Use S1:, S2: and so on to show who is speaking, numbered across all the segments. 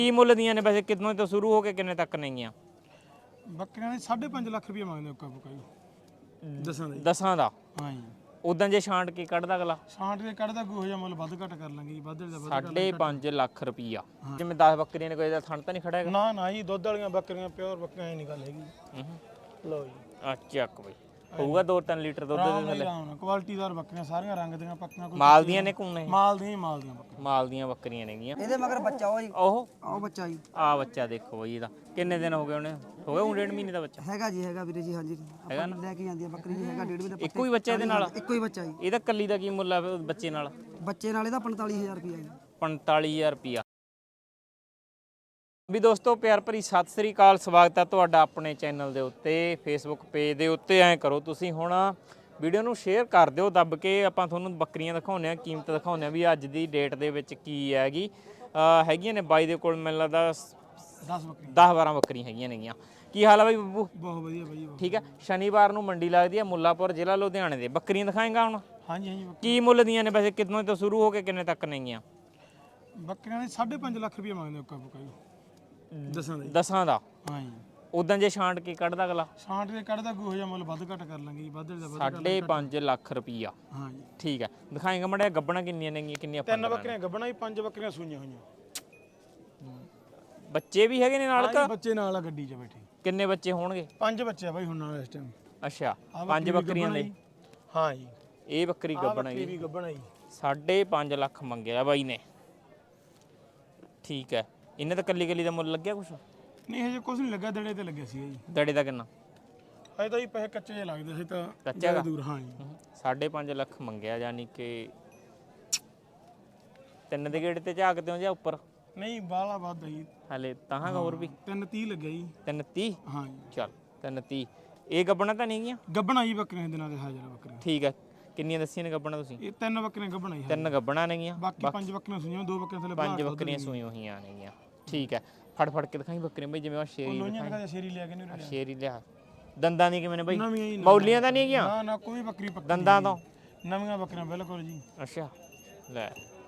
S1: ਕੀ ਮੁੱਲ ਦੀਆਂ ਨੇ ਵੈਸੇ ਕਿੰਨੇ ਤੋਂ ਸ਼ੁਰੂ ਹੋ ਕੇ ਕਿੰਨੇ ਤੱਕ ਨੇਗੀਆਂ?
S2: ਬੱਕਰੀਆਂ ਦੇ 5.5 ਲੱਖ ਰੁਪਏ ਮੰਗਦੇ ਉੱਕਾ ਬੁੱਕਾ ਜੀ।
S1: ਦਸਾਂ ਦਾ
S2: ਹਾਂ ਜੀ।
S1: ਉਦਾਂ ਜੇ ਛਾਂਟ ਕੇ ਕੱਢਦਾ ਅਗਲਾ
S2: ਛਾਂਟ ਕੇ ਕੱਢਦਾ ਕੋਈ ਹੋ ਜਾ ਮੁੱਲ ਵੱਧ ਘੱਟ ਕਰ ਲਾਂਗੇ ਜੀ। ਵੱਧ ਦਾ ਵੱਧ
S1: 5.5 ਲੱਖ ਰੁਪਈਆ। ਜਿਵੇਂ 10 ਬੱਕਰੀਆਂ ਨੇ ਕੋਈ ਦਾ ਥਣ ਤਾਂ ਨਹੀਂ ਖੜਾ ਹੈਗਾ?
S2: ਨਾ ਜੀ, ਦੁੱਧ ਵਾਲੀਆਂ ਬੱਕਰੀਆਂ ਪਿਓਰ ਬੱਕਰੀਆਂ ਐ ਨਹੀਂ ਗੱਲ ਹੈਗੀ। ਲਓ ਜੀ
S1: ਆ ਚੱਕ ਬਈ, ਹੋਊਗਾ 2-3 ਲੀਟਰ ਦੁੱਧ ਦੇ ਥੱਲੇ।
S2: ਕੁਆਲਿਟੀਦਾਰ ਬੱਕਰੀਆਂ ਸਾਰੀਆਂ ਰੰਗ ਦੀਆਂ ਪੱਕੀਆਂ। ਕੋਈ
S1: ਮਾਲ ਦੀਆਂ ਨੇ ਕੋਨੇ?
S2: ਮਾਲ ਦੀਆਂ ਬੱਕਰੀਆਂ।
S1: ਮਾਲ ਦੀਆਂ ਬੱਕਰੀਆਂ ਨੇਗੀਆਂ।
S3: ਇਹਦੇ ਮਗਰ ਬੱਚਾ ਉਹ ਜੀ,
S1: ਉਹ
S3: ਬੱਚਾ ਜੀ।
S1: ਆ ਬੱਚਾ ਦੇਖੋ ਬਈ, ਇਹਦਾ ਕਿੰਨੇ ਦਿਨ ਹੋ ਗਏ ਉਹਨੇ? ਹੋ ਗਏ 1.5 ਮਹੀਨੇ ਦਾ ਬੱਚਾ
S3: ਹੈਗਾ ਜੀ, ਹੈਗਾ ਵੀਰੇ ਜੀ। ਹਾਂਜੀ ਆਪਾਂ ਲੈ ਕੇ ਜਾਂਦੀ ਆ ਬੱਕਰੀ ਜੀ। ਹੈਗਾ 1.5 ਮਹੀਨੇ ਦਾ।
S1: ਇੱਕੋ ਹੀ ਬੱਚਾ ਇਹਦੇ ਨਾਲ?
S3: ਇੱਕੋ ਹੀ ਬੱਚਾ ਜੀ।
S1: ਇਹਦਾ ਕੱਲੀ ਦਾ ਕੀ ਮੁੱਲ ਆ ਬੱਚੇ ਨਾਲ?
S3: ਬੱਚੇ ਨਾਲ ਇਹਦਾ 45000 ਰੁਪਏ ਜੀ।
S1: 45000 ਰੁਪਿਆ। ਵੀ ਦੋਸਤੋ ਪਿਆਰ ਭਰੀ ਸਤਿ ਸ੍ਰੀ ਅਕਾਲ, ਸਵਾਗਤ ਹੈ ਤੁਹਾਡਾ ਆਪਣੇ ਚੈਨਲ ਦੇ ਉੱਤੇ, ਫੇਸਬੁੱਕ ਪੇਜ ਦੇ ਉੱਤੇ। ਐਂ ਕਰੋ ਤੁਸੀਂ ਹੁਣ ਵੀਡੀਓ ਨੂੰ ਸ਼ੇਅਰ ਕਰ ਦਿਓ ਦੱਬ ਕੇ। ਆਪਾਂ ਤੁਹਾਨੂੰ ਬੱਕਰੀਆਂ ਦਿਖਾਉਂਦੇ ਆ, ਕੀਮਤ ਦਿਖਾਉਂਦੇ ਆ ਵੀ ਅੱਜ ਦੀ ਡੇਟ ਦੇ ਵਿੱਚ ਕੀ ਹੈਗੀ। ਹੈਗੀਆਂ ਨੇ ਬਾਈ ਦੇ ਕੋਲ ਮੈਨੂੰ ਲੱਗਦਾ 10-12 ਬੱਕਰੀਆਂ ਹੈਗੀਆਂ ਨੇਗੀਆਂ। ਕੀ ਹਾਲ ਆ ਬਾਈ ਬੱਬੂ?
S2: ਬਹੁਤ ਵਧੀਆ ਬਾਈ।
S1: ਠੀਕ ਹੈ। ਸ਼ਨੀਵਾਰ ਨੂੰ ਮੰਡੀ ਲੱਗਦੀ ਹੈ ਮੁੱਲਾਪੁਰ, ਜ਼ਿਲ੍ਹਾ ਲੁਧਿਆਣੇ ਦੇ। ਬੱਕਰੀਆਂ ਦਿਖਾਏਗਾ ਹੁਣ?
S2: ਹਾਂਜੀ।
S1: ਕੀ ਮੁੱਲ ਦੀਆਂ ਨੇ ਵੈਸੇ ਕਿੰਨੇ ਤੋਂ ਸ਼ੁਰੂ ਹੋ ਕੇ ਕਿੰਨੇ ਤੱਕ ਨੇਗੀਆਂ?
S2: ਬੱਕਰੀਆਂ ਦੇ 5.5 ਲੱਖ ਰੁਪਏ ਮੰਗਦੇ ਉੱਕਾ ਬੁੱਕਾ ਜੀ।
S1: ਦਸਾਂ ਦਾ?
S2: ਹਾਂ ਜੀ।
S1: ਉਦਾਂ ਜੇ ਛਾਂਟ ਕੇ ਕੱਢਦਾ ਅਗਲਾ?
S2: ਛਾਂਟ ਕੇ ਕੱਢਦਾ ਕੋਈ ਹੋ ਜਾ ਮੁੱਲ ਵੱਧ ਘੱਟ ਕਰ ਲਾਂਗੇ ਜੀ। ਵੱਧ ਦਾ ਵੱਧ
S1: 5.5 ਲੱਖ ਰੁਪਈਆ।
S2: ਹਾਂ ਜੀ।
S1: ਠੀਕ ਹੈ। ਦਿਖਾਏਗਾ ਮੜਿਆ ਗੱਬਣਾ ਕਿੰਨੀਆਂ ਨੇਗੀਆਂ, ਕਿੰਨੀਆਂ?
S2: 3 ਬੱਕਰੀਆਂ ਗੱਬਣਾ ਜੀ, 5 ਬੱਕਰੀਆਂ ਸੂਈਆਂ ਹੋਈਆਂ।
S1: ਬੱਚੇ ਵੀ ਹੈਗੇ ਨੇ ਨਾਲ?
S2: ਹਾਂ ਬੱਚੇ ਨਾਲ ਆ ਗੱਡੀ 'ਚ ਬੈਠੇ।
S1: ਕਿੰਨੇ ਬੱਚੇ ਹੋਣਗੇ?
S2: 5 ਬੱਚੇ ਆ ਬਾਈ ਹੁਣ ਨਾਲ ਇਸ ਟਾਈਮ।
S1: ਅੱਛਾ, 5 ਬੱਕਰੀਆਂ ਦੇ?
S2: ਹਾਂ ਜੀ।
S1: ਇਹ ਬੱਕਰੀ ਗੱਬਣਾ
S2: ਇਹ ਵੀ ਗੱਬਣਾ ਜੀ।
S1: 5.5 ਲੱਖ ਮੰਗਿਆ ਬਾਈ ਨੇ। ਠੀਕ ਹੈ। ਇਹਨੇ ਤਾਂ ਕੱਲੀ ਦਾ ਮੁੱਲ ਲੱਗਿਆ ਕੁਛ?
S2: ਨਹੀਂ ਹਜੇ ਕੁਝ ਨਹੀਂ ਲੱਗਾ, ਦੜੇ ਤੇ ਲੱਗਿਆ ਸੀ ਜੀ।
S1: ਦੜੇ ਦਾ ਕਿੰਨਾ?
S2: ਹਜੇ ਤਾਂ ਜੀ ਪੈਸੇ ਕੱਚੇ ਜਿਹੇ ਲੱਗਦੇ ਸੀ ਤਾਂ
S1: ਕੱਚਾ ਦਾ
S2: ਦੂਰ। ਹਾਂ ਜੀ।
S1: 5.5 ਲੱਖ ਮੰਗਿਆ, ਯਾਨੀ ਕਿ 3 ਦੇ ਗੇੜ ਤੇ ਝਾਕਦੇ ਹੋ ਜਾਂ ਉੱਪਰ?
S2: ਨਹੀਂ ਬਾਲਾ ਵੱਧ ਜੀ
S1: ਹਲੇ ਤਾਂ ਹੋਰ ਵੀ
S2: 330 ਲੱਗਿਆ ਜੀ।
S1: 330?
S2: ਹਾਂ ਜੀ।
S1: ਚੱਲ 330। ਇਹ ਗੱਬਣਾ ਤਾਂ ਨਹੀਂ ਗਿਆ?
S2: ਗੱਬਣਾ ਜੀ ਬੱਕਰੀਆਂ ਦੇ ਨਾਲ ਦੇ ਹਾਜ਼ਰ ਬੱਕਰੀਆਂ।
S1: ਠੀਕ ਹੈ। ਕਿੰਨੀਆਂ ਦੱਸੀਆਂ ਨੇ ਗੱਬਣਾ ਤੁਸੀਂ?
S2: ਇਹ 3 ਬੱਕਰੀਆਂ ਗੱਬਣਾ ਜੀ।
S1: 3 ਗੱਬਣਾ ਨੇਗੀਆਂ।
S2: ਬਾਕੀ 5 ਬੱਕਰੀਆਂ ਸੂਈਆਂ, 2 ਬੱਕਰੀਆਂ ਥੱਲੇ
S1: 5 ਬੱਕਰੀਆਂ ਸੂਈਆਂ ਹੋਈਆਂ ਨੇਗੀਆਂ। ਠੀਕ ਹੈ। ਫੜ ਕੇ ਦਿਖਾਈ ਬੱਕਰੀਆਂ ਬਈ, ਜਿਵੇਂ ਆ ਸ਼ੇਰੀ ਦਿਖਾਈ।
S2: ਸ਼ੇਰੀ ਲਿਆ ਕੇ ਨਹੀਂ
S1: ਸ਼ੇਰੀ ਲਿਆ। ਦੰਦਾਂ ਦੀ ਕਿਵੇਂ ਨੇ ਬਈ?
S2: ਨਵੀਆਂ
S1: ਮੌਲੀਆਂ ਤਾਂ ਨਹੀਂ ਹੈਗੀਆਂ?
S2: ਨਾ ਕੋਈ ਬੱਕਰੀ ਪੱਕੀ
S1: ਦੰਦਾਂ ਤੋਂ
S2: ਨਵੀਆਂ ਬੱਕਰੀਆਂ ਬਿਲਕੁਲ ਜੀ।
S1: ਅੱਛਾ ਲੈ,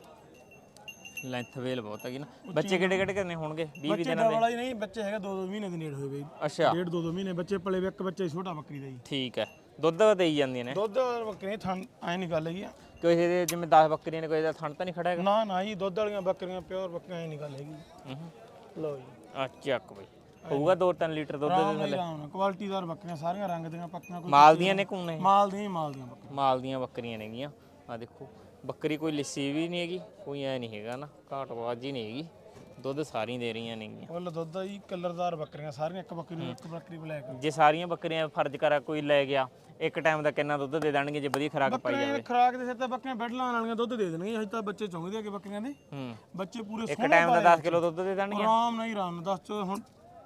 S1: ਲੈਂਥ ਵੇਲ ਬਹੁਤ ਹੈਗੀ ਨਾ। ਬੱਚੇ ਕਿਹੜੇ ਕਰਨੇ ਹੋਣਗੇ? 20 ਦਿਨਾਂ ਦੇ?
S2: ਵਾਲਾ ਹੀ ਨਹੀਂ, ਬੱਚੇ ਹੈਗਾ 2-2 ਮਹੀਨੇ ਦੇ ਨੇੜੇ ਹੋਏ ਬਈ।
S1: ਅੱਛਾ,
S2: 1.5-2 ਮਹੀਨੇ ਬੱਚੇ ਪਲੇ ਵੇ। ਇੱਕ ਬੱਚਾ ਛੋਟਾ ਬੱਕਰੀ ਦਾ ਜੀ।
S1: ਠੀਕ ਹੈ। ਦੁੱਧ ਦੇਈ ਜਾਂਦੀਆਂ ਨੇ?
S2: ਦੁੱਧ ਬੱਕਰੀਆਂ ਥਣ ਐ ਨਹੀਂ ਗੱਲ ਹੈਗੀ।
S1: ਕਿਸੇ ਦੇ ਜਿਵੇਂ 10 ਬੱਕਰੀਆਂ ਨੇ ਕੋਈ ਦਾ ਥਣ ਤਾਂ ਨਹੀਂ ਖੜਾ ਹੈਗਾ?
S2: ਨਾ ਜੀ, ਦੁੱਧ ਵਾਲੀਆਂ ਬੱਕਰੀਆਂ ਪਿਓਰ ਬੱਕਰੀਆਂ ਐ ਨਹੀਂ ਗੱਲ ਹੈਗੀ। ਲਓ ਜੀ
S1: ਆ ਚੱਕ ਬਈ, ਹੋਊਗਾ 2-3 ਲੀਟਰ ਦੁੱਧ ਦੇ ਥੱਲੇ।
S2: ਕੁਆਲਿਟੀਦਾਰ ਬੱਕਰੀਆਂ ਸਾਰੀਆਂ ਰੰਗ ਦੀਆਂ ਪੱਕੀਆਂ।
S1: ਮਾਲ ਦੀਆਂ ਨੇ ਕੋਨੇ?
S2: ਮਾਲ ਦੀਆਂ ਬੱਕਰੀਆਂ।
S1: ਮਾਲ ਦੀਆਂ ਬੱਕਰੀਆਂ ਨੇਗੀਆਂ। ਆ ਦੇਖੋ ਬੱਕਰੀ ਕੋਈ ਲਿੱਸੀ ਵੀ ਨਹੀਂ ਹੈਗੀ, ਕੋਈ ਐ ਨਹੀਂ ਹੈਗਾ ਨਾ, ਘਾਟਬਾਜ਼ੀ ਨਹੀਂ ਹੈਗੀ। ਦੁੱਧ ਸਾਰੀਆਂ ਦੇ ਰਹੀਆਂ ਨੇਗੀਆਂ।
S2: ਫੁੱਲ ਦੁੱਧ ਆ ਜੀ। ਕਲਰਦਾਰ ਬੱਕਰੀਆਂ ਸਾਰੀਆਂ। ਇੱਕ ਬੱਕਰੀ ਬਲੈਕ।
S1: ਜੇ ਸਾਰੀਆਂ ਬੱਕਰੀਆਂ ਫਰਜ਼ ਕਰਾ ਕੋਈ ਲੈ ਗਿਆ, ਇੱਕ ਟਾਈਮ ਦਾ ਕਿੰਨਾ ਦੁੱਧ ਦੇ ਦੇਣਗੇ ਜੇ ਵਧੀਆ ਖੁਰਾਕ ਪਾਈ ਜਾਵੇ?
S2: ਖੁਰਾਕ ਦੇ ਸਿਰ ਤੇ ਬੱਕਰੀਆਂ ਬੈਡ ਲਾਉਣ ਵਾਲੀਆਂ ਦੁੱਧ ਦੇ ਦੇਣਗੀਆਂ। ਹਜੇ ਤਾਂ ਬੱਚੇ ਚੁੰਗਦੇ ਆ ਕਿ ਬੱਕਰੀਆਂ ਦੇ। ਬੱਚੇ ਪੂਰੇ
S1: ਇੱਕ ਟਾਈਮ ਦਾ 10 ਕਿਲੋ ਦੁੱਧ ਦੇ ਦੇਣਗੇ
S2: ਆਰਾਮ ਨਾਲ ਹੀ। ਆਰਾਮ ਨਾਲ 10 ਹੁਣ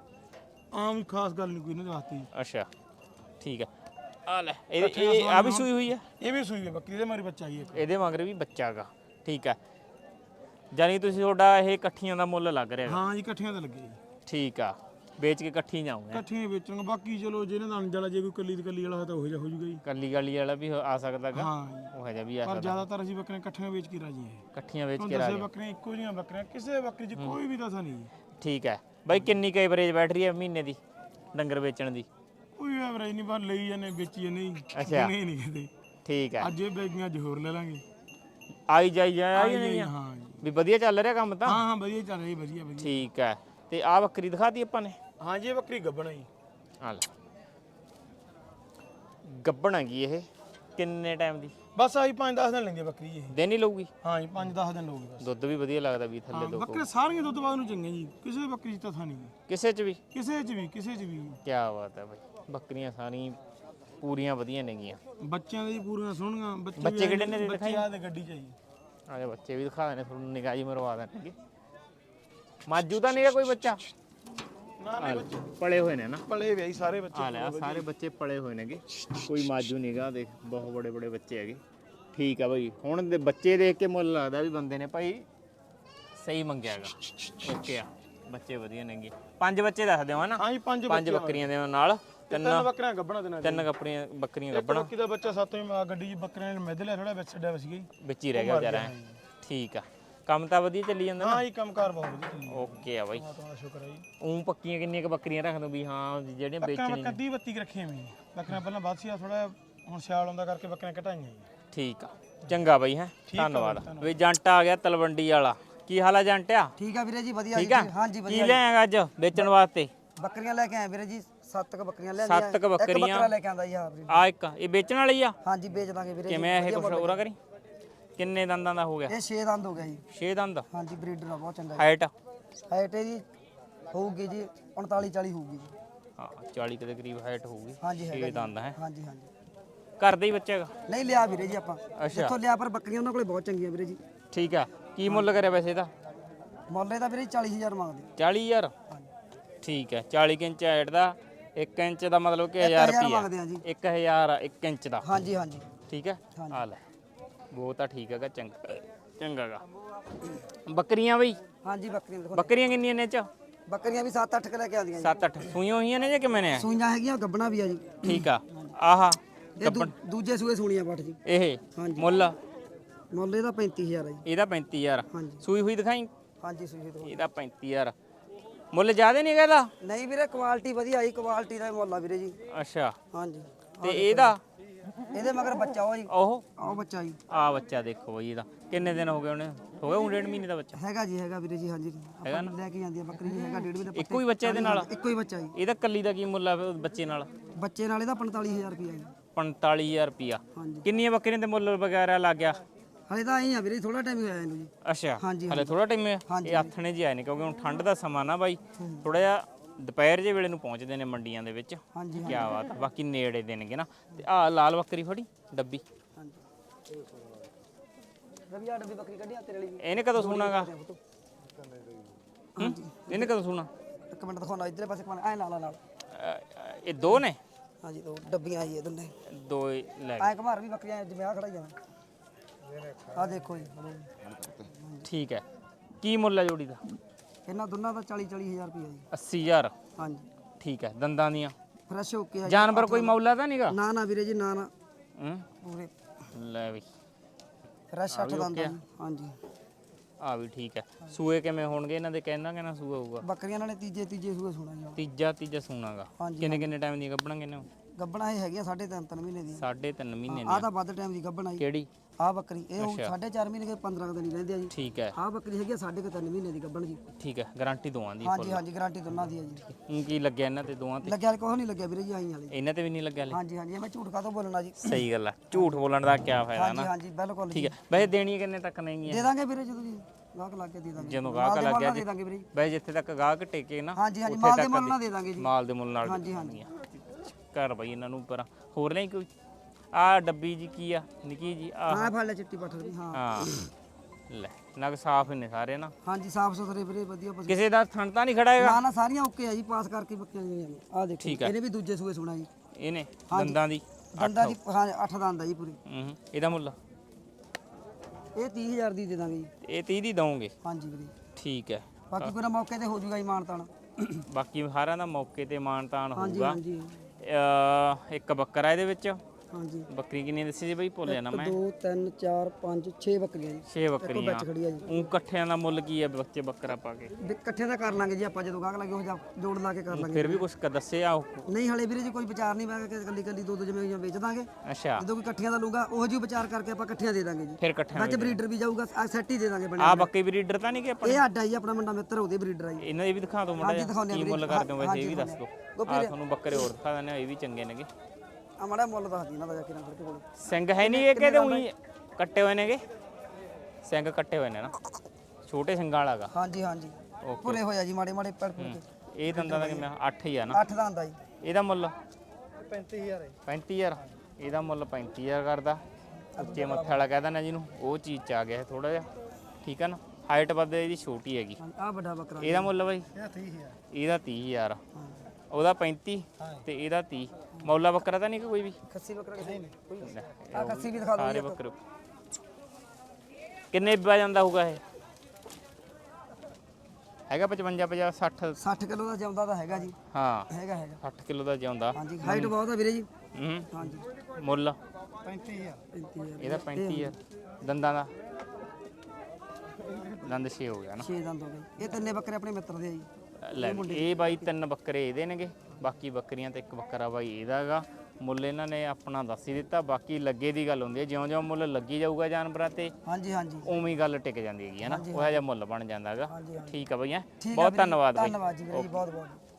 S2: ਆਮ ਖਾਸ ਗੱਲ ਨਹੀਂ ਕੋਈ ਇਹਨਾਂ ਦੇ ਵਾਸਤੇ।
S1: ਅੱਛਾ ਠੀਕ ਹੈ। ਆ ਲੈ, ਇਹ ਆ ਵੀ ਸੂਈ ਹੋਈ ਹੈ?
S2: ਇਹ ਵੀ ਸੂਈ ਹੈ ਬੱਕਰੀ ਦੇ ਮਗਰ ਬੱਚਾ ਹੀ।
S1: ਇਹਦੇ ਮਗਰ ਵੀ ਬੱਚਾ ਹੈਗਾ। ਠੀਕ ਹੈ। ਜਾਨੀ ਤੁਸੀਂ ਤੁਹਾਡਾ ਇਹ ਇਕੱਠੀਆਂ ਦਾ ਮੁੱਲ ਲੱਗ ਰਿਹਾ?
S2: ਹਾਂ ਜੀ, ਇਕੱਠੀਆਂ ਦਾ ਲੱਗੇ ਜੀ।
S1: ਠੀਕ ਆ, ਵੇਚ ਕੇ ਇਕੱਠੀ ਜਾਊਂਗਾ?
S2: ਇਕੱਠੀਆਂ ਵੇਚਣਗੇ। ਬਾਕੀ ਚਲੋ ਜਿਹਨਾਂ ਦਾ ਅੰਜਲਾ, ਜੇ ਕੋਈ ਕੱਲੀ ਵਾਲਾ ਹੋਇਆ ਤਾਂ ਉਹ ਜਿਹਾ ਹੋ ਜੂਗਾ ਜੀ।
S1: ਕੱਲੀ ਵਾਲਾ ਵੀ ਆ ਸਕਦਾਗਾ।
S2: ਹਾਂ
S1: ਉਹ ਜਿਹਾ ਵੀ ਆ
S2: ਪਰ
S1: ਸਕਦਾ।
S2: ਜ਼ਿਆਦਾਤਰ ਅਸੀਂ ਬੱਕਰੀਆਂ ਇਕੱਠੀਆਂ ਵੇਚ ਕੇ ਰਾਜੀ ਹਾਂ।
S1: ਇਕੱਠੀਆਂ ਵੇਚ ਕੇ
S2: ਰਾਜੀ। ਬੱਕਰੀਆਂ ਇੱਕੋ ਜਿਹੀਆਂ ਬੱਕਰੀਆਂ, ਕਿਸੇ ਬੱਕਰੀ 'ਚ ਕੋਈ ਵੀ ਦਸਾ ਨਹੀਂ।
S1: ਠੀਕ ਹੈ ਬਾਈ। ਕਿੰਨੀ ਕੁ ਐਵਰੇਜ ਬੈਠ ਰਹੀ ਹੈ ਮਹੀਨੇ ਦੀ ਡੰਗਰ ਵੇਚਣ ਦੀ?
S2: ਕੋਈ ਐਵਰੇਜ ਨਹੀਂ, ਬਸ ਲਈ ਜਾਂਦੇ ਵੇਚੀ ਜਾਂਦੇ ਜੀ।
S1: ਅੱਛਾ
S2: ਨਹੀਂ ਕਿਤੇ।
S1: ਠੀਕ ਹੈ।
S2: ਅੱਜ ਇਹ ਬੈਗੀਆਂ ਅੱਜ ਹੋਰ ਲੈ ਲਾਂਗੇ।
S1: ਆਈ ਜਾਈ
S2: ਹਾਂ ਜੀ।
S1: ਵੀ ਵਧੀਆ ਚੱਲ ਰਿਹਾ ਕੰਮ ਤਾਂ?
S2: ਹਾਂ ਵਧੀਆ ਚੱਲ ਰਹੀ। ਵਧੀਆ।
S1: ਠੀਕ ਹੈ। ਤੇ ਆਹ ਬੱਕਰੀ ਦਿਖਾਤੀ ਆਪਾਂ ਨੇ?
S2: ਹਾਂ ਜੀ, ਇਹ ਬੱਕਰੀ ਗੱਬਣਾ ਜੀ।
S1: ਆ ਲੈ, ਗੱਬਣ ਹੈਗੀ ਇਹ। ਕਿੰਨੇ ਟਾਈਮ ਦੀ?
S2: ਬਸ ਆਹੀ 5-10 ਦਿਨ ਲੈਂਦੀ ਬੱਕਰੀ ਇਹ।
S1: ਦਿਨ ਹੀ ਲਊਗੀ?
S2: ਹਾਂ ਜੀ, 5-10 ਦਿਨ ਲਊਗੀ ਬਸ।
S1: ਦੁੱਧ ਵੀ ਵਧੀਆ ਲੱਗਦਾ ਵੀ ਥੱਲੇ ਦੋ?
S2: ਬੱਕਰੇ ਸਾਰੀਆਂ ਦੁੱਧ ਬਾਅਦ ਨੂੰ ਚੰਗੇ ਜੀ। ਕਿਸੇ ਬੱਕਰੀ 'ਚ ਤਾਂ ਨਹੀਂ।
S1: ਕਿਸੇ 'ਚ ਵੀ?
S2: ਕਿਸੇ 'ਚ ਵੀ।
S1: ਕੀ ਬਾਤ ਹੈ ਬਾਈ। ਬੱਕਰੀਆਂ ਸਾਰੀਆਂ ਪੂਰੀਆਂ ਵਧੀਆ ਨੇਗੀਆਂ।
S2: ਬੱਚਿਆਂ ਦੇ ਪੂਰੀਆਂ ਸੋਹਣੀਆਂ।
S1: ਬੱਚੇ ਕਿਹੜੇ ਨੇ
S2: ਦਿਖਾਈ? ਆ ਤੇ ਗੱਡੀ 'ਚ ਜੀ।
S1: ਆ ਬੱਚੇ ਵੀ ਦਿਖਾ ਦੇਣੇ ਤੁਹਾਨੂੰ, ਨਿਗਾਹ ਜੀ ਮਰਵਾ ਦੇਣਗੇ। ਮਾਜੂ ਤਾਂ ਨਹੀਂਗਾ ਕੋਈ ਬੱਚਾ?
S2: ਨਾ ਬੱਚੇ
S1: ਪਲੇ ਹੋਏ ਨੇ ਨਾ?
S2: ਪਲੇ ਵੇ ਸਾਰੇ ਬੱਚੇ।
S1: ਆ ਲੈ, ਸਾਰੇ ਬੱਚੇ ਪਲੇ ਹੋਏ ਨੇਗੇ। ਕੋਈ ਮਾਜੂ ਨਹੀਂਗਾ। ਦੇਖ ਬਹੁਤ ਬੜੇ ਬੱਚੇ ਹੈਗੇ। ਠੀਕ ਆ ਬਾਈ। ਹੁਣ ਦੇ ਬੱਚੇ ਦੇਖ ਕੇ ਮੁੱਲ ਲੱਗਦਾ ਵੀ ਬੰਦੇ ਨੇ ਭਾਈ ਸਹੀ ਮੰਗਿਆ ਹੈਗਾ। ਓਕੇ ਆ, ਬੱਚੇ ਵਧੀਆ ਨੇਗੇ। 5 ਬੱਚੇ ਦੱਸ ਦਿਓ ਹਨਾ?
S2: ਹਾਂ ਜੀ, 5
S1: ਬੱਕਰੀਆਂ ਦੇ ਨਾਲ।
S2: 3 ਬੱਕਰੀਆਂ ਗੱਬਣਾ ਦੇ ਨਾਲ।
S1: 3 ਬੱਕਰੀਆਂ ਗੱਬਣਾ।
S2: ਬਾਕੀ ਦਾ ਬੱਚਾ 7ਵੀਂ ਗੱਡੀ 'ਚ ਬੱਕਰੀਆਂ ਨੇ ਮਿੱਧ ਲਿਆ, ਥੋੜਾ ਵਿੱਚ ਛੱਡਿਆ ਵਸ ਗਈ।
S1: ਵਿੱਚ ਹੀ ਰਹਿ ਗਿਆ ਵਿਚਾਰਾ। ਠੀਕ ਆ। ਕੰਮ ਤਾਂ ਵਧੀਆ ਚੱਲੀ ਜਾਂਦਾ ਨਾ?
S2: ਹਾਂ ਜੀ ਕੰਮਕਾਰ ਬਹੁਤ ਵਧੀਆ ਚੱਲੀ
S1: ਓਕੇ ਆ ਬਾਈ।
S2: ਤੁਹਾਡਾ ਸ਼ੁਕਰ ਹੈ ਜੀ।
S1: ਉਂ ਪੱਕੀਆਂ ਕਿੰਨੀਆਂ ਕੁ ਬੱਕਰੀਆਂ ਰੱਖ ਦੋ ਵੀ ਹਾਂ ਜਿਹੜੀਆਂ
S2: ਬੱਕਰੀਆਂ
S1: ਵੇਚਣੀਆਂ?
S2: 30-32 ਰੱਖੀਆਂ ਵੀ ਬੱਕਰੀਆਂ ਪਹਿਲਾਂ ਵੱਧ ਸੀ ਥੋੜਾ ਹੁਣ ਸਿਆਲ ਆਉਂਦਾ ਕਰਕੇ ਬੱਕਰੀਆਂ ਘਟਾਈਆਂ ਜੀ।
S1: ਠੀਕ ਆ, ਚੰਗਾ ਬਾਈ ਹੈ, ਧੰਨਵਾਦ ਵੀ। ਜੰਟ ਆ ਗਿਆ ਤਲਵੰਡੀ ਵਾਲਾ, ਕੀ ਹਾਲ ਆ ਜੰਟਿਆ?
S3: ਠੀਕ ਆ ਵੀਰੇ ਜੀ, ਵਧੀਆ
S1: ਠੀਕ ਆ,
S3: ਜੀ। ਹਾਂਜੀ
S1: ਕੀ
S3: ਵਧੀਆ।
S1: ਲਿਆਏਗਾ ਅੱਜ ਵੇਚਣ ਵਾਸਤੇ?
S3: ਬੱਕਰੀਆਂ ਲੈ ਕੇ ਆਏ ਵੀਰੇ ਜੀ, 7 ਬੱਕਰੀਆਂ ਲੈ
S1: 7
S3: ਇੱਕ
S1: ਬੱਕਰੀਆਂ
S3: ਬੱਕਰਾ ਲੈ ਕੇ ਆਂਦਾ ਜੀ। ਹਾਂ ਵੀਰੇ,
S1: ਆ ਇੱਕ ਇਹ ਵੇਚਣ ਵਾਲੀ ਆ?
S3: ਹਾਂਜੀ ਵੇਚ ਦਾਂਗੇ ਵੀਰੇ ਜੀ।
S1: ਕਿਵੇਂ ਇਹ ਕੁਛ ਹੋਰਾ ਕਰੀ? ਕਿੰਨੇ ਦੰਦਾਂ ਦਾ ਹੋ ਗਿਆ?
S3: ਇਹ 6 ਦੰਦ ਹੋ ਗਿਆ ਜੀ।
S1: 6 ਦੰਦ?
S3: ਹਾਂਜੀ ਬਰੀਡਰ ਆ, ਬਹੁਤ ਚੰਗਾ ਜੀ।
S1: ਹਾਈਟ?
S3: ਹਾਈਟ ਇਹਦੀ ਹੋਊਗੀ ਜੀ 39-40 ਹੋਊਗੀ ਜੀ।
S1: ਹਾਂ 40 ਦੇ ਕਰੀਬ ਹਾਈਟ ਹੋਊਗੀ।
S3: ਹਾਂਜੀ
S1: 6 ਦੰਦ ਹੈ,
S3: ਹਾਂਜੀ ਹਾਂਜੀ।
S1: ਘਰ ਦਾ ਹੀ ਬੱਚਾ ਹੈਗਾ?
S3: ਨਹੀਂ ਲਿਆ ਵੀਰੇ ਜੀ ਆਪਾਂ,
S1: ਅੱਛਾ
S3: ਜਿੱਥੋਂ ਲਿਆ, ਪਰ ਬੱਕਰੀਆਂ ਉਹਨਾਂ ਕੋਲੇ ਬਹੁਤ ਚੰਗੀਆਂ ਵੀਰੇ ਜੀ।
S1: ਠੀਕ ਆ, ਕੀ ਮੁੱਲ ਕਰਿਆ ਵੈਸੇ ਇਹਦਾ?
S3: ਮੁੱਲ ਦਾ ਵੀਰੇ 40,000 ਮੰਗਦੇ।
S1: 40,000? ਠੀਕ ਹੈ, 40 ਇੰਚ ਹਾਈਟ ਦਾ, 1 ਇੰਚ ਦਾ ਮਤਲਬ ਕਿ 1000 ਰੁਪਿਆ
S3: ਮੰਗਦੇ ਆ ਜੀ।
S1: 1000 1 ਇੰਚ ਦਾ?
S3: ਹਾਂਜੀ ਹਾਂਜੀ
S1: ਠੀਕ ਹੈ, ਆ ਲੈ ਉਹ ਤਾਂ ਠੀਕ ਹੈਗਾ, ਚੰਗਾਗਾ। ਬੱਕਰੀਆਂ ਬਈ?
S3: ਹਾਂਜੀ ਬੱਕਰੀਆਂ ਦੇਖੋ।
S1: ਬੱਕਰੀਆਂ ਕਿੰਨੀਆਂ ਨੇ ਚ?
S3: ਬੱਕਰੀਆਂ ਵੀ 7-8 ਲੈ ਕੇ ਆਉਂਦੀਆਂ ਜੀ।
S1: 7-8 ਸੂਈਆਂ ਹੋਈਆਂ ਨੇ ਜਾਂ ਕਿਵੇਂ ਨੇ?
S3: ਸੂਈਆਂ ਹੈਗੀਆਂ, ਗੱਬਣਾ ਵੀ ਆ ਜੀ।
S1: ਠੀਕ ਆ, ਆਹਾ
S3: ਇਹ ਦੂਜੇ ਸੂਏ ਸੂਣੀਆਂ ਪੱਠ ਜੀ।
S1: ਇਹ
S3: ਹਾਂਜੀ।
S1: ਮੁੱਲ?
S3: ਮੁੱਲ ਇਹਦਾ 35,000 ਹੈ ਜੀ।
S1: ਇਹਦਾ 35,000?
S3: ਹਾਂਜੀ
S1: ਸੂਈ ਹੋਈ ਦਿਖਾਈ।
S3: ਹਾਂਜੀ ਸੂਈ ਤੋਂ।
S1: ਇਹਦਾ 35,000 ਮੁੱਲ ਜ਼ਿਆਦਾ ਨਹੀਂ ਹੈਗਾ ਇਹਦਾ?
S3: ਨਹੀਂ ਵੀਰੇ, ਕੁਆਲਿਟੀ ਵਧੀਆ ਜੀ, ਕੁਆਲਿਟੀ ਦਾ ਮੁੱਲ ਆ ਵੀਰੇ ਜੀ।
S1: ਅੱਛਾ,
S3: ਹਾਂਜੀ।
S1: ਤੇ ਇਹਦਾ?
S3: ਇਹਦੇ ਮਗਰ ਬੱਚਾ ਉਹ ਜੀ,
S1: ਉਹ
S3: ਆਹ ਬੱਚਾ ਜੀ।
S1: ਆ ਬੱਚਾ ਦੇਖੋ ਬਈ, ਇਹਦਾ ਕਿੰਨੇ ਦਿਨ ਹੋ ਗਏ ਉਹਨੇ? ਹੋ ਗਿਆ 1.5 ਮਹੀਨੇ ਦਾ ਬੱਚਾ
S3: ਹੈਗਾ ਜੀ, ਹੈਗਾ ਵੀਰੇ ਜੀ। ਹਾਂਜੀ ਆਪਾਂ ਲੈ ਕੇ ਜਾਂਦੀ ਆ ਬੱਕਰੀ ਜੀ, ਹੈਗਾ 1.5 ਮਹੀਨੇ।
S1: ਇੱਕੋ ਹੀ ਬੱਚਾ ਇਹਦੇ ਨਾਲ?
S3: ਇੱਕੋ ਹੀ ਬੱਚਾ ਜੀ।
S1: ਇਹਦਾ ਕੱਲੀ ਦਾ ਕੀ ਮੁੱਲ ਆ ਬੱਚੇ ਨਾਲ?
S3: ਬੱਚੇ ਨਾਲ ਇਹਦਾ 45,000 ਰੁਪਇਆ ਜੀ।
S1: 45,000 ਰੁਪਿਆ?
S3: ਹਾਂਜੀ।
S1: ਕਿੰਨੀਆਂ ਬੱਕਰੀਆਂ ਦੇ ਮੁੱਲ ਵਗੈਰਾ ਲੱਗ ਗਿਆ?
S3: ਹਲੇ ਤਾਂ ਆਈ ਆ ਵੀਰੇ, ਥੋੜਾ ਟਾਈਮ ਹੋਇਆ ਇਹਨੂੰ ਜੀ।
S1: ਅੱਛਾ,
S3: ਹਾਂਜੀ
S1: ਹਲੇ ਥੋੜਾ ਟਾਈਮ ਹੈ। ਇਹ ਆਥਣੇ ਜੀ ਆਏ ਨੇ ਕਿਉਂਕਿ ਹੁਣ ਠੰਡ ਦਾ ਸਮਾਂ ਨਾ ਬਾਈ, ਥੋੜਾ ਜਿਹਾ ਦੁਪਹਿਰ ਜੇ ਵੇਲੇ ਨੂੰ ਪਹੁੰਚਦੇ ਨੇ ਮੰਡੀਆਂ ਦੇ ਵਿੱਚ।
S3: ਹਾਂਜੀ
S1: ਕੀ ਬਾਤ ਆ, ਬਾਕੀ ਨੇੜੇ ਦੇਣਗੇ ਨਾ। ਤੇ ਆ ਲਾਲ ਬੱਕਰੀ ਫੜੀ ਡੱਬੀ,
S3: ਹਾਂਜੀ। ਰਵੀ ਆ ਡੱਬੀ ਬੱਕਰੀ ਕੱਢਿਆ ਤੇਰੇ ਲਈ।
S1: ਇਹਨੇ ਕਦੋਂ ਸੂਣਾਗਾ? ਇਹਨੇ ਕਦੋਂ ਸੂਣਾ?
S3: ਇੱਕ ਮਿੰਟ ਦਿਖਾਉਣਾ ਇਧਰਲੇ ਪਾਸੇ, ਐ ਨਾਲ।
S1: ਇਹ ਦੋ ਨੇ?
S3: ਹਾਂਜੀ ਦੋ ਡੱਬੀਆਂ ਆਈ ਇਹ ਦੋਨੇ।
S1: ਦੋ ਹੀ ਲੈ
S3: ਐ ਘਮਾਰ ਵੀ ਬੱਕਰੀਆਂ ਜਿਵੇਂ ਆ ਖੜਾ ਜਾਣਾ। ਆ ਦੇਖੋ ਜੀ।
S1: ਠੀਕ ਹੈ, ਕੀ ਮੁੱਲ ਹੈ ਜੋੜੀ ਦਾ?
S3: ਇਹਨਾਂ ਦੋਨਾਂ ਦਾ 40,000 ਰੁਪਇਆ ਜੀ।
S1: 80,000?
S3: ਹਾਂਜੀ
S1: ਠੀਕ ਹੈ, ਦੰਦਾਂ ਦੀਆਂ
S3: ਫਰੈਸ਼ ਹੋ ਕੇ ਆ ਜੀ।
S1: ਜਾਨਵਰ ਕੋਈ ਮੌਲਾ ਤਾਂ ਨਹੀਂਗਾ?
S3: ਨਾ ਨਾ ਵੀਰੇ ਜੀ, ਨਾ ਨਾ,
S1: ਹੂੰ
S3: ਪੂਰੇ
S1: ਲੈ ਵੀ,
S3: ਫਰੈਸ਼ 8 ਦੰਦ ਆ ਜੀ। ਹਾਂਜੀ
S1: ਆ ਵੀ ਠੀਕ ਹੈ। ਸੂਏ ਕਿਵੇਂ ਹੋਣਗੇ ਇਹਨਾਂ ਦੇ? ਕਹਿਣਾ ਕਿ ਨਾ ਸੂਆ ਹੋਊਗਾ?
S3: ਬੱਕਰੀਆਂ ਨਾਲੇ ਤੀਜੇ ਸੂਏ ਸੋਣਾ ਜੀ।
S1: ਤੀਜਾ ਸੂਣਾਗਾ?
S3: ਹਾਂਜੀ।
S1: ਕਿੰਨੇ ਟਾਈਮ ਦੀਆਂ ਗੱਭਣਾਂ ਕਿੰਨੇ?
S3: ਗੱਬਣਾ ਇਹ ਹੈਗੀਆਂ 3.5 ਮਹੀਨੇ ਦੀਆਂ।
S1: 3.5 ਮਹੀਨੇ
S3: ਆਹ
S1: ਦੀਆਂ?
S3: ਤਾਂ ਵੱਧ ਟਾਈਮ ਦੀ ਗੱਬਣਾ ਜੀ।
S1: ਕਿਹੜੀ?
S3: ਆਹ ਬੱਕਰੀ ਇਹ 4.5 ਮਹੀਨੇ ਦੇ 15 ਦਿਨ ਹੀ ਰਹਿੰਦੇ ਆ ਜੀ।
S1: ਠੀਕ ਹੈ।
S3: ਆਹ ਬੱਕਰੀ ਹੈਗੀ 3.5 ਮਹੀਨੇ ਦੀ ਗੱਬਣ ਜੀ।
S1: ਠੀਕ ਹੈ, ਗਾਰੰਟੀ ਦੋਵਾਂ ਦੀ?
S3: ਹਾਂਜੀ ਹਾਂਜੀ ਗਾਰੰਟੀ ਦੋਨਾਂ ਦੀ ਹੈ ਜੀ।
S1: ਹੁਣ ਕੀ ਲੱਗਿਆ ਇਹਨਾਂ ਤੇ ਦੋਵਾਂ ਤੇ?
S3: ਲੱਗਿਆ ਕੁਛ ਨਹੀਂ ਲੱਗਿਆ ਵੀਰੇ ਜੀ, ਆਈ ਵਾਲੇ।
S1: ਇਹਨਾਂ ਤੇ ਵੀ ਨਹੀਂ ਲੱਗਿਆ ਹਲੇ?
S3: ਹਾਂਜੀ ਹਾਂਜੀ, ਮੈਂ ਝੂਠ ਕਾਹਤੋਂ ਬੋਲਣਾ ਜੀ।
S1: ਸਹੀ ਗੱਲ ਆ, ਝੂਠ ਬੋਲਣ ਦਾ ਕੀ ਫਾਇਦਾ
S3: ਹਾਂਜੀ
S1: ਨਾ।
S3: ਹਾਂਜੀ ਬਿਲਕੁਲ
S1: ਠੀਕ ਹੈ, ਵੈਸੇ ਦੇਣੀ ਕਿੰਨੇ ਤੱਕ ਨਹੀਂ
S3: ਦੇ
S1: ਹੈ?
S3: ਦਾਂਗੇ ਵੀਰੇ ਜਦੋਂ ਜੀ ਗਾਹਕ ਲੱਗ ਕੇ ਦੇ ਦਾਂਗੇ।
S1: ਜਦੋਂ ਗਾਹਕ ਲੱਗ ਗਿਆ
S3: ਦੇ ਦਾਂਗੇ ਵੀਰੇ ਜੀ।
S1: ਵੈਸੇ ਜਿੱਥੇ ਤੱਕ ਗਾਹਕ ਟੇਕੇ ਨਾ,
S3: ਹਾਂਜੀ ਹਾਂਜੀ, ਮਾਲ ਦੇ ਮੁੱਲ ਨਾਲ ਦੇ ਦਾਂਗੇ ਜੀ।
S1: ਮਾਲ ਦੇ ਮੁੱਲ ਨਾਲ।
S3: ਹਾਂਜੀ ਹਾਂਜੀ।
S1: ਘਰ ਬਈ ਇਹਨਾਂ ਨੂੰ ਪਰ ਹੋਰ ਨਹੀਂ ਕੋਈ? ਆ ਡੱਬੀ ਜੀ ਕੀ ਆ ਨਿੱਕੀ ਜੀ? ਆ
S3: ਹਾਂ ਫੜ ਲੈ ਚਿੱਟੀ ਪੱਠ ਦੀ। ਹਾਂ
S1: ਹਾਂ ਲੈ, ਨਗ ਸਾਫ ਨੇ ਸਾਰੇ ਨਾ?
S3: ਹਾਂਜੀ ਸਾਫ ਸੁਥਰੇ ਵੀਰੇ, ਵਧੀਆ ਪਸ਼ੂ।
S1: ਕਿਸੇ ਦਾ ਥਣ ਤਾਂ ਨਹੀਂ ਖੜਾ ਹੈਗਾ?
S3: ਨਾ ਨਾ, ਸਾਰੀਆਂ ਓਕੇ ਆ ਜੀ, ਪਾਸ ਕਰਕੇ ਬੱਕੀਆਂ ਗਈਆਂ ਨੇ। ਆਹ ਦੇਖੋ ਇਹਨੇ ਵੀ ਦੂਜੇ ਸੂਏ ਸੁਣਾ ਜੀ।
S1: ਇਹਨੇ ਦੰਦਾਂ ਦੀ?
S3: ਦੰਦਾਂ ਦੀ ਹਾਂ 8 ਦੰਦ ਆ ਜੀ ਪੂਰੇ।
S1: ਇਹਦਾ ਮੁੱਲ?
S3: ਇਹ 30,000 ਦੀ ਦੇ ਦਾਂਗੇ ਜੀ।
S1: ਇਹ 30 ਦੀ ਦਵੋਗੇ?
S3: ਹਾਂਜੀ ਵੀਰੇ।
S1: ਠੀਕ ਹੈ,
S3: ਬਾਕੀ ਕੋਈ ਨਾ ਮੌਕੇ ਤੇ ਹੋ ਜੂਗਾ ਜੀ ਮਾਨ ਤਾਨ।
S1: ਬਾਕੀ ਸਾਰਿਆਂ ਦਾ ਮੌਕੇ ਤੇ ਮਾਨ ਤਾਨ
S3: ਹਾਂਜੀ
S1: ਹੋਊਗਾ।
S3: ਹਾਂਜੀ
S1: ਇੱਕ ਬੱਕਰਾ ਇਹਦੇ ਵਿੱਚ?
S3: ਹਾਂਜੀ।
S1: ਬੱਕਰੀ ਕਿੰਨੀ ਦੱਸੀ ਜੀ ਬਈ, ਭੁੱਲਿਆ ਨਾ ਮੈਂ।
S3: 2 3 4 5 6 ਬੱਕਰੀਆਂ ਜੀ।
S1: 6 ਬੱਕਰੀਆਂ
S3: ਵਿੱਚ ਖੜੀ ਆ ਜੀ।
S1: ਉਹ ਇਕੱਠਿਆਂ ਦਾ ਮੁੱਲ ਕੀ ਹੈ ਬੱਚੇ ਬੱਕਰਾ ਪਾ ਕੇ?
S3: ਵੀ ਇਕੱਠਿਆਂ ਦਾ ਕਰ ਲਾਂਗੇ ਜੀ ਆਪਾਂ, ਜਦੋਂ ਗਾਹਕ ਲੱਗੇ ਉਹ ਜੋੜ ਲਾ ਕੇ ਕਰ ਲਾਂਗੇ।
S1: ਫਿਰ ਵੀ ਕੁਝ ਦੱਸਿਆ ਉਹ?
S3: ਨਹੀਂ ਹਲੇ ਵੀਰੇ ਜੀ ਕੋਈ ਵਿਚਾਰ ਨਹੀਂ, ਮੈਂ ਕਿ ਕੱਲੀ ਕੱਲੀ 2 ਜਿਵੇਂ ਵੇਚ ਦਾਂਗੇ।
S1: ਅੱਛਾ,
S3: ਜਦੋਂ ਕੋਈ ਇਕੱਠਿਆਂ ਦਾ ਲੂਗਾ ਉਹ ਜੀ ਵਿਚਾਰ ਕਰਕੇ ਆਪਾਂ ਇਕੱਠਿਆਂ ਦੇ ਦਾਂਗੇ ਜੀ।
S1: ਫਿਰ ਇਕੱਠਿਆਂ
S3: ਵਿੱਚ ਬਰੀਡਰ ਵੀ ਜਾਊਗਾ, ਸੈੱਟ ਹੀ ਦੇ ਦਾਂਗੇ ਬਣੇ।
S1: ਆ ਬੱਕਰੀ ਬਰੀਡਰ ਤਾਂ ਨਹੀਂ ਕਿ ਆਪਣੇ?
S3: ਇਹ ਅੱਡਾ ਜੀ, ਆਪਣਾ ਮੁੰਡਾ ਮਿੱਤਰ ਉਹਦੇ ਬਰੀਡਰ ਆ ਜੀ।
S1: ਇਹਨਾਂ ਦੇ ਵੀ ਦਿਖਾ ਦਿਓ ਮਾੜਾ ਜਿਹਾ, ਕੀ ਮੁੱਲ ਕਰਦੇ ਹੋ ਵੈਸੇ ਇਹ ਵੀ ਦੱਸ ਦਿਓ। ਆ ਤੁਹਾਨੂੰ ਬੱਕਰੇ ਹੋਰ ਦਿਖਾ ਦਿੰਦੇ ਆ, ਇਹ ਵੀ ਚੰਗੇ ਨੇਗੇ।
S3: ਆ ਮਾੜਾ ਮੁੱਲ ਦੱਸ ਦੀ ਇਹਨਾਂ ਦਾ ਜਾ ਕੇ ਨਾ ਖੜਕੇ ਕੋਲ।
S1: ਸਿੰਘ ਹੈ ਨਹੀਂ ਇਹ ਕਿ ਤੇ ਉਹੀ ਕੱਟੇ ਹੋਏ ਨੇਗੇ? ਸਿੰਘ ਕੱਟੇ ਹੋਏ ਨੇ ਨਾ, ਛੋਟੇ ਸਿੰਘਾਂ ਵਾਲਾਗਾ?
S3: ਹਾਂਜੀ ਹਾਂਜੀ ਭੁਰੇ ਹੋਇਆ ਜੀ, ਮਾੜੇ ਮਾੜੇ ਪੜ ਕੇ।
S1: ਇਹ ਦੰਦਾਂ ਦਾ ਕਿੰਨਾ? 8 ਹੀ ਆ ਨਾ?
S3: 8 ਦਾ ਆਂਦਾ ਜੀ।
S1: ਇਹਦਾ ਮੁੱਲ?
S3: 35,000 ਹੈ।
S1: 35,000? ਇਹਦਾ ਮੁੱਲ 35,000 ਕਰਦਾ। ਉੱਚੇ ਮੱਥੇ ਵਾਲਾ ਕਹਿ ਦਿੰਦਾ ਜਿਹਨੂੰ, ਉਹ ਚੀਜ਼ ਚ ਆ ਗਿਆ ਥੋੜਾ ਜਿਹਾ। ਠੀਕ ਆ ਨਾ, ਹਾਈਟ ਵੱਧ ਇਹਦੀ ਛੋਟੀ ਹੈਗੀ।
S3: ਆ ਵੱਡਾ ਬੱਕਰਾ
S1: ਇਹਦਾ ਮੁੱਲ ਬਾਈ?
S3: ਇਹਦਾ 30,000।
S1: ਇਹਦਾ 30,000, ਉਹਦਾ 35 ਤੇ ਇਹਦਾ 30। ਮੌਲਾ ਬੱਕਰਾ ਤਾਂ ਨਹੀਂ ਕੋਈ ਵੀ?
S3: ਖੱਸੀ ਬੱਕਰਾ ਕਿਥੇ ਨਹੀਂ? ਆ ਖੱਸੀ ਵੀ ਦਿਖਾ ਦਿਓ
S1: ਸਾਰੇ ਬੱਕਰੇ ਕਿੰਨੇ ਪੈ ਜਾਂਦਾ ਹੋਊਗਾ ਇਹ? ਹੈਗਾ 55 50 60?
S3: 60 ਕਿਲੋ ਦਾ ਜਿਉਂਦਾ ਤਾਂ ਹੈਗਾ ਜੀ।
S1: ਹਾਂ
S3: ਹੈਗਾ
S1: 60 ਕਿਲੋ ਦਾ ਜਿਉਂਦਾ।
S3: ਹਾਂਜੀ ਹਾਈਟ ਬਹੁਤ ਆ ਵੀਰੇ ਜੀ।
S1: ਹਾਂਜੀ। ਮੁੱਲ?
S3: 35,000।
S1: ਇਹਦਾ 35,000। ਦੰਦਾਂ ਦਾ? ਦੰਦ 6 ਹੋ ਗਿਆ ਨਾ
S3: 6 ਦੰਦ ਹੋ ਗਏ। ਇਹ ਤਿੰਨੇ ਬੱਕਰੇ ਆਪਣੇ ਮਿੱਤਰ ਦੇ ਆ ਜੀ।
S1: ਲੈ ਵੀ ਇਹ ਬਾਈ 3 ਬੱਕਰੇ ਇਹਦੇ ਨੇਗੇ, ਬਾਕੀ ਬੱਕਰੀਆਂ ਤੇ 1 ਬੱਕਰਾ ਬਾਈ ਇਹਦਾ ਹੈਗਾ। ਮੁੱਲ ਇਹਨਾਂ ਨੇ ਆਪਣਾ ਦੱਸ ਹੀ ਦਿੱਤਾ, ਬਾਕੀ ਲੱਗੇ ਦੀ ਗੱਲ ਹੁੰਦੀ ਹੈ, ਜਿਉਂ-ਜਿਉਂ ਮੁੱਲ ਲੱਗੀ ਜਾਊਗਾ ਜਾਨਵਰਾਂ ਤੇ
S3: ਹਾਂਜੀ ਹਾਂਜੀ
S1: ਉਵੇਂ ਹੀ ਗੱਲ ਟਿਕ ਜਾਂਦੀ ਹੈਗੀ ਹੈ ਨਾ, ਉਹੋ ਜਿਹਾ ਮੁੱਲ ਬਣ ਜਾਂਦਾ ਹੈਗਾ।
S3: ਹਾਂਜੀ ਹਾਂਜੀ
S1: ਠੀਕ ਆ ਬਈ,
S3: ਠੀਕ ਆ
S1: ਬਹੁਤ
S3: ਵੀਰੇ,
S1: ਧੰਨਵਾਦ ਬਾਈ।
S3: ਧੰਨਵਾਦ ਜੀ ਵੀਰੇ ਜੀ, ਬਹੁਤ ਬਹੁਤ।